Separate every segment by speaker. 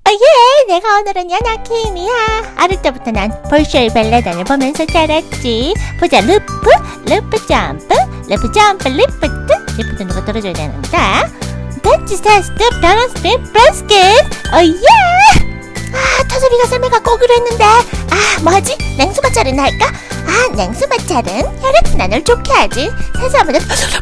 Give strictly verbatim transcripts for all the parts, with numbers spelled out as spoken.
Speaker 1: 어, 예, 내가 오늘은 연하킴이야. 어릴 때부터 난 볼쇼이 발레단을 보면서 자랐지. 보자, 루프, 루프 점프, 루프 점프, 리프트. 리프트 누가 떨어져야 되는데. 배치 스텝, 밸런스 핀, 브레스킷. 어, 예! 아, 터섭이가 설명갖고 오기로 했는데. 아, 뭐지? 냉수마찰은 할까? 아, 냉수마찰은 혈액순환을 좋게 하지. 세수하면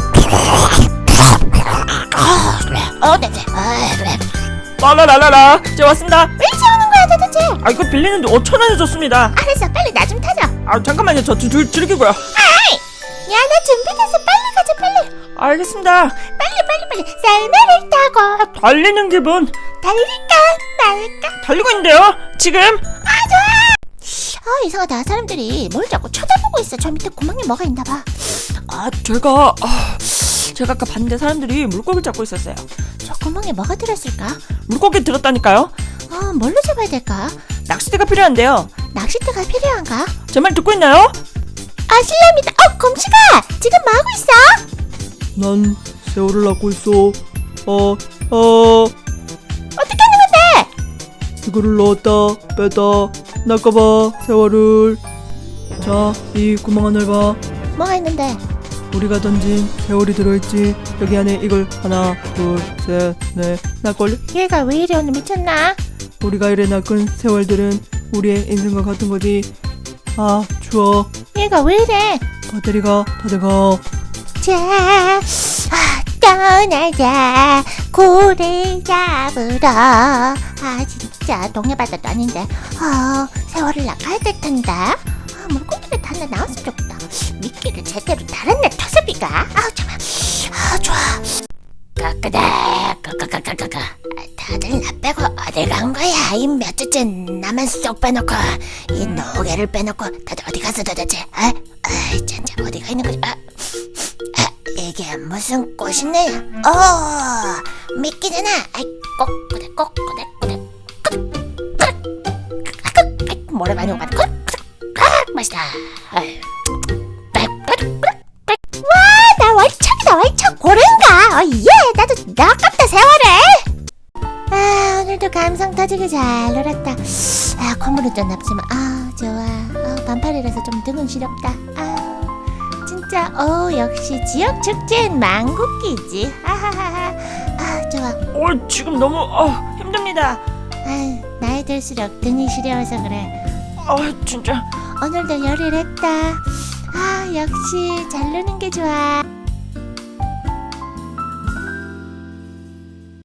Speaker 1: 어, 네, 네. 어, 네.
Speaker 2: 라라라라라, 제가 왔습니다.
Speaker 1: 왜 이제 오는 거야 도대체?
Speaker 2: 아, 이거 빌리는데 오천 원에 줬습니다.
Speaker 1: 알았어, 빨리 나 좀 타줘.
Speaker 2: 아, 잠깐만요, 저 줄, 줄, 줄이고요.
Speaker 1: 아이! 야, 나 준비됐어. 빨리 가자, 빨리.
Speaker 2: 알겠습니다.
Speaker 1: 빨리, 빨리, 빨리. 썰매를 타고
Speaker 2: 달리는 기분.
Speaker 1: 달릴까 말까?
Speaker 2: 달리고 있는데요, 지금.
Speaker 1: 아, 좋아. 아, 이상하다. 사람들이 뭘 자꾸 쳐다보고 있어. 저 밑에 구멍이 뭐가 있나 봐.
Speaker 2: 아, 제가 아, 제가 아까 봤는데 사람들이 물고기를 잡고 있었어요.
Speaker 1: 저 구멍에 뭐가 들었을까?
Speaker 2: 물고기 들었다니까요.
Speaker 1: 어, 뭘로 잡아야 될까?
Speaker 2: 낚싯대가 필요한데요.
Speaker 1: 낚싯대가 필요한가?
Speaker 2: 제 말 듣고 있나요?
Speaker 1: 아, 실례합니다. 어, 곰씨가 지금 뭐 하고 있어?
Speaker 2: 난 새우를 낳고 있어. 어, 어.
Speaker 1: 어떻게 하는 건데?
Speaker 2: 이거를 넣었다 뺐다 낚아봐 세월을. 자, 이 구멍 안을 봐.
Speaker 1: 뭐가 있는데?
Speaker 2: 우리가 던진 세월이 들어있지. 여기 안에 이걸 하나 둘셋넷 낚을.
Speaker 1: 얘가 왜 이래 오늘 미쳤나?
Speaker 2: 우리가 이래 낚은 세월들은 우리의 인생과 같은 거지. 아, 추워.
Speaker 1: 얘가 왜 이래?
Speaker 2: 배터리가 다 돼가.
Speaker 1: 자, 아, 떠나자 고래 잡으러. 아, 진짜 동해바다도 아닌데. 아, 세월을 낚아야 될 텐데. 아, 물고기를 다 하나 나왔으면 좋겠다. 미끼를 제대로 달았네 터섭이가. 아우, 좋아. 아, 좋아. 까까다 까까까까까. 다들 나 빼고 어디 간 거야? 이 몇 주째 나만 쏙 빼놓고 이 노개를 빼놓고 다들 어디 갔어 도대체? 아, 아, 진짜 어디가 있는 거지? 아, 아, 이게 무슨 꽃이네? 어, 미끼잖아. 아이, 꼬꾸대 꼬꾸대 꼬대 꼬대. 모래 많이 오가네. 꼬, 아, 맛있다. 아유. 와, 나 월척이다 월척. 고래인가? 어, 예, 나도 아깝다 세월에. 아, 오늘도 감성 터지게 잘 놀았다. 아, 콧물은 좀 nap지만 아, 좋아. 아, 반팔이라서 좀 등은 시렵다. 아, 진짜 어, 역시 지역 축제엔 망국기지. 하하하하. 아, 좋아.
Speaker 2: 어, 지금 너무 어, 힘듭니다.
Speaker 1: 아, 나이 들수록 등이 시려워서 그래.
Speaker 2: 아, 진짜.
Speaker 1: 오늘도 열일했다. 아, 역시 잘 노는 게 좋아.